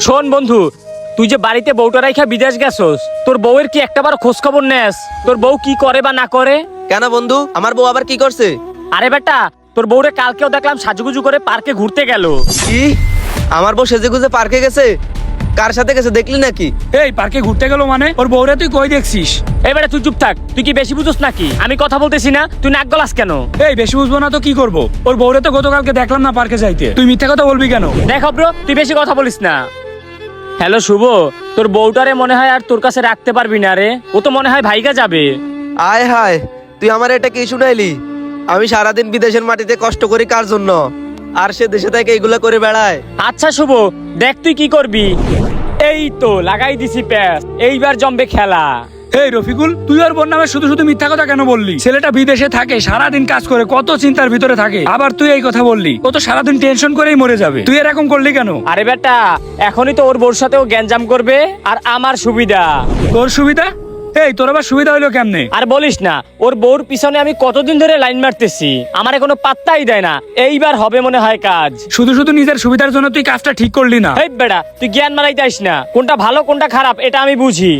শোন বন্ধু, তুই যে বাড়িতে বউটা রাইখা বিদেশ গেছস, তোর বউয়ের কি একটাবার খোঁজ খবর নেস? তোর বউ কি করে বা না করে? কেন বন্ধু, আমার বউ আবার কি করছে? আরে বেটা, তোর বউরে কালকেও দেখলাম সাজুগুজু করে পার্কে ঘুরতে গেল। কি? আমার বউ সেজে গুজে পার্কে গেছে? কার সাথে গেছে দেখলি নাকি? এই পার্কে ঘুরতে গেল মানে? ওর বউরে তুই কই দেখছিস? এই বেটা তুই চুপ থাক, তুই কি বেশি বুঝোস নাকি? আমি কথা বলতেছি না, তুই নাক গলাস কেন? এই বেশি বুঝবো না তো কি করব? ওর বউরে তো গতকালকে দেখলাম না পার্কে যাইতে, তুই মিথ্যা কথা বলবি কেন? দেখ ব্রো, তুই বেশি কথা বলিস না। হ্যালো শুভ, তোর বউটারে মনে হয় আর তোর কাছে রাখতে পারবি না রে। ও তো মনে হয় ভাইগা যাবে। আয় হায়, তুই আমার এটা কি শুনাইলি? আমি সারাদিন বিদেশের মাটিতে কষ্ট করি কার জন্য, আর সে দেশে থেকে এগুলা করে বেড়ায়। আচ্ছা শুভ, দেখ তুই কি করবি। এই তো লাগাই দিছি প্যাস, এইবার জমবে খেলা। এই রফিকুল, তুই ওর বোন নামে শুধু শুধু মিথ্যা কথা কেন বললি? ছেলেটা বিদেশে থাকে, সারাদিন কাজ করে, কত চিন্তার ভিতরে থাকে, আবার তুই এই কথা বললি? ও তো সারাদিন টেনশন করেই মরে যাবে, তুই এরকম করলি কেন? আরে বেটা, এখনই তো ওর বউর সাথেও গ্যাঞ্জাম করবে, আর আমার সুবিধা। তোর সুবিধা? এই তোর আবার সুবিধা হইলো কেমনে? আর বলিস না, ওর বউর পিছনে আমি কতদিন ধরে লাইন মারতেছি, আমারে কোনো পাত্তাই দেয় না। এইবার হবে মনে হয় কাজ। শুধু শুধু নিজের সুবিধার জন্য তুই কাজটা ঠিক করলি না। এই বেটা, তুই জ্ঞান মারাইতে আসিস না, কোনটা ভালো কোনটা খারাপ এটা আমি বুঝি।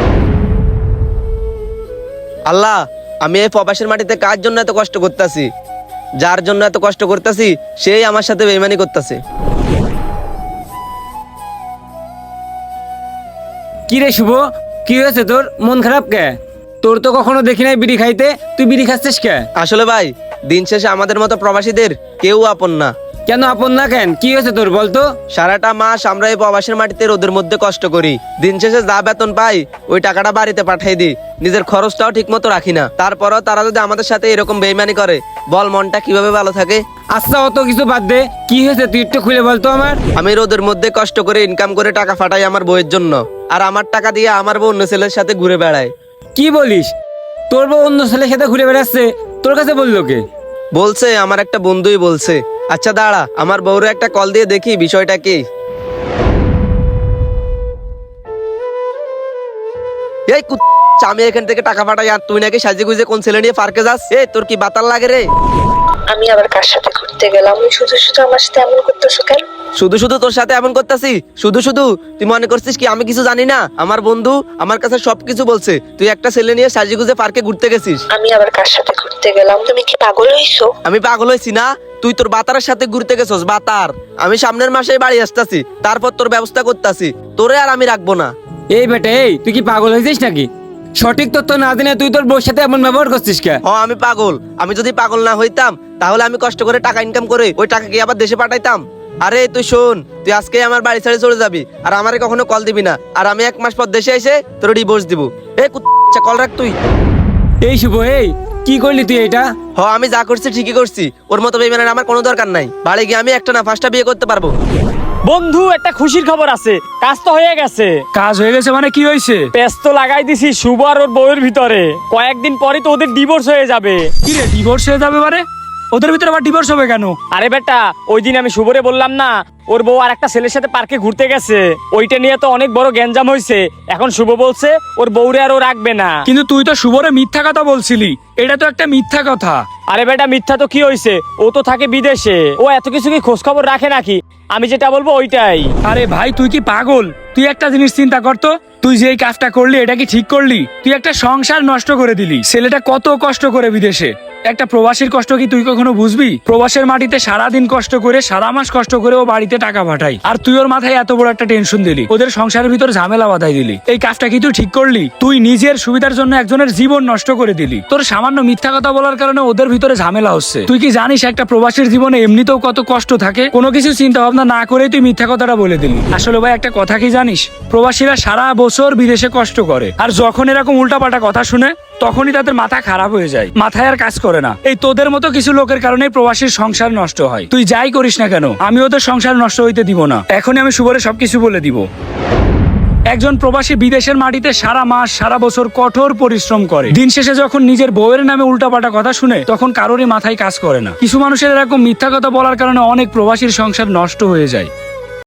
আল্লাহ, আমি এই প্রবাসের মাটিতে কার জন্য এত কষ্ট করতেছি? যার জন্য এত কষ্ট করতেছি সেই আমার সাথে বেইমানি করতেছে। কি রে শুভ, কি হয়েছে তোর? মন খারাপ কে? তোর তো কখনো দেখি নাই বিড়ি খাইতে, তুই বিড়ি খাচ্ছিস কে? আসলে ভাই, দিন শেষে আমাদের মতো প্রবাসীদের কেউ আপন না। কেন আপন না কেন? কি হয়েছে তোর বলতো? সারাটা মাস আমরা এই প্রবাসের মাটিতে রোদের মধ্যে কষ্ট করি, দিন শেষে যা বেতন পাই ওই টাকাটা বাড়িতে পাঠাই দিই, নিজের খরচটাও ঠিক মতো রাখি না। তারপরও তারা যদি আমাদের সাথে এরকম বেইমানি করে, বল মনটা কিভাবে ভালো থাকে? আচ্ছা অত কিছু বাদ দে, কি হয়েছে তুই একটু খুলে বলতো আমার। আমি রোদের মধ্যে কষ্ট করে ইনকাম করে টাকা ফাটাই আমার বউয়ের জন্য, আর আমার টাকা দিয়ে আমার বউ অন্য ছেলের সাথে ঘুরে বেড়ায়। কি বলিস? তোর বউ অন্য ছেলের সাথে ঘুরে বেড়াচ্ছে, তোর কাছে বললো কে? বলছে আমার একটা বন্ধুই বলছে। আচ্ছা দাঁড়া, আমার বউরে একটা কল দিয়ে দেখি বিষয়টা কি। এই আমি এখান থেকে টাকা পাঠাই, আর তুই নাকি সাজে গুজে কোন ছেলে নিয়ে পার্কে যাস? এই তোর কি বাতাল লাগে রে? আমি আবার কার সাথে ঘুরতে গেলাম? শুধু শুধু আমার সাথে এমন করতেছো কেন? শুধু শুধু তোর সাথে এমন করতেছি? শুধু শুধু তুই মনে করছিস কি আমি কিছু জানি না? আমার বন্ধু আমার কাছে সবকিছু বলছে, তুই একটা ছেলে নিয়ে সাজে গুজে পার্কে ঘুরতে গেছিস। আমি আবার কার সাথে ঘুরতে গেলাম? তুমি কি পাগল হইছো? আমি পাগল হয়েছি না? তুই তোর বাতারের সাথে ঘুরতে গেছস। বাতার, আমি সামনের মাসেই বাড়ি আসতেছি, তারপর তোর ব্যবস্থা করতেছি, তোরে আর আমি রাখবো না। এই বেটা, এই তুই কি পাগল হয়েছিস নাকি? সঠিক তথ্য না জেনে তুই তোর বউর সাথে এমন ব্যবহার করছিস কে? আমি পাগল। আমি যদি পাগল না হইতাম তাহলে আমি কষ্ট করে টাকা ইনকাম করে ওই টাকা কি আবার দেশে পাঠাইতাম? আরে তুই শোন, তুই আজকে আমার বাড়ি ছেড়ে চলে যাবি, আর আমারে কখনো কল দিবি না, আর আমি 1 মাস পর দেশে এসে তোর ডিভোর্স দিব। এই কল রাখ তুই। এই শুভ, এই কি করলি তুই এটা? আমি যা করছি ঠিকই করছি, ওর মতো বেইমানের আমার কোনো দরকার নাই। বাড়ি গিয়ে আমি একটা না 5টা বিয়ে করতে পারবো। বন্ধু, একটা খুশির খবর আছে, কাজ তো হয়ে গেছে। কাজ হয়ে গেছে মানে কি হয়েছে? প্যাস তো লাগাই দিছি শুভ আর ওর বউয়ের ভিতরে, কয়েকদিন পরে তো ওদের ডিভোর্স হয়ে যাবে। কি রে, ডিভোর্স হয়ে যাবে মানে? ওদের ভিতরে আবার ডিভোর্স হবে কেন? আরে বেটা, ওই দিন আমি শুভরে বললাম না ওর বউ আর একটা ছেলের সাথে পার্কে ঘুরতে গেছে, ওইটা নিয়ে তো অনেক বড় গ্যাঞ্জাম হয়েছে। এখন শুভ বলছে ওর বউরে আর ও রাখবে না। কিন্তু তুই তো শুভরে মিথ্যা কথা বলছিলি, এটা তো একটা মিথ্যা কথা। আরে বেটা, মিথ্যা তো কি হয়েছে, ও তো থাকে বিদেশে, ও এত কিছু কি খোঁজ খবর রাখে নাকি? আমি যেটা বলবো ওইটাই। আরে ভাই, তুই কি পাগল? তুই একটা জিনিস চিন্তা করতো, তুই যে এই কাজটা করলি এটা কি ঠিক করলি? তুই একটা সংসার নষ্ট করে দিলি। ছেলেটা কত কষ্ট করে বিদেশে, একটা প্রবাসীর কষ্ট কি তুই কখনো বুঝবি? প্রবাসের মাটিতে সারাদিন কষ্ট করে, সারা মাস কষ্ট করে ও বাড়িতে টাকা পাঠাই, আর তুই ওর মাথায় এত বড় একটা টেনশন দিলি, ওদের সংসারের ভিতর ঝামেলা বাঁধাই দিলি। এই কাজটা কি তুই ঠিক করলি? তুই নিজের সুবিধার জন্য একজনের জীবন নষ্ট করে দিলি। তোর সামান্য মিথ্যা কথা বলার কারণে ওদের ভিতরে ঝামেলা হচ্ছে। তুই কি জানিস একটা প্রবাসীর জীবনে এমনিতেও কত কষ্ট থাকে? কোনো কিছু চিন্তা ভাবনা না করেই তুই মিথ্যা কথাটা বলে দিলি। আসলে ভাই একটা কথা কি জানিস, প্রবাসীরা সারা বছর বিদেশে কষ্ট করে, আর যখন এরকম উল্টাপাল্টা কথা শুনে তখনই তাদের মাথা খারাপ হয়ে যায়, মাথায় আর কাজ করে না। এই তোদের মতো কিছু লোকের কারণে প্রবাসীর সংসার নষ্ট হয়। তুই যাই করিস না কেন, আমি ওদের সংসার নষ্ট হইতে দিব না। এখনই আমি শুভরে সবকিছু বলে দিব। একজন প্রবাসী বিদেশের মাটিতে সারা মাস সারা বছর কঠোর পরিশ্রম করে, দিন শেষে যখন নিজের বউয়ের নামে উল্টাপাল্টা কথা শুনে তখন কারোরই মাথায় কাজ করে না। কিছু মানুষের এরকম মিথ্যা কথা বলার কারণে অনেক প্রবাসীর সংসার নষ্ট হয়ে যায়।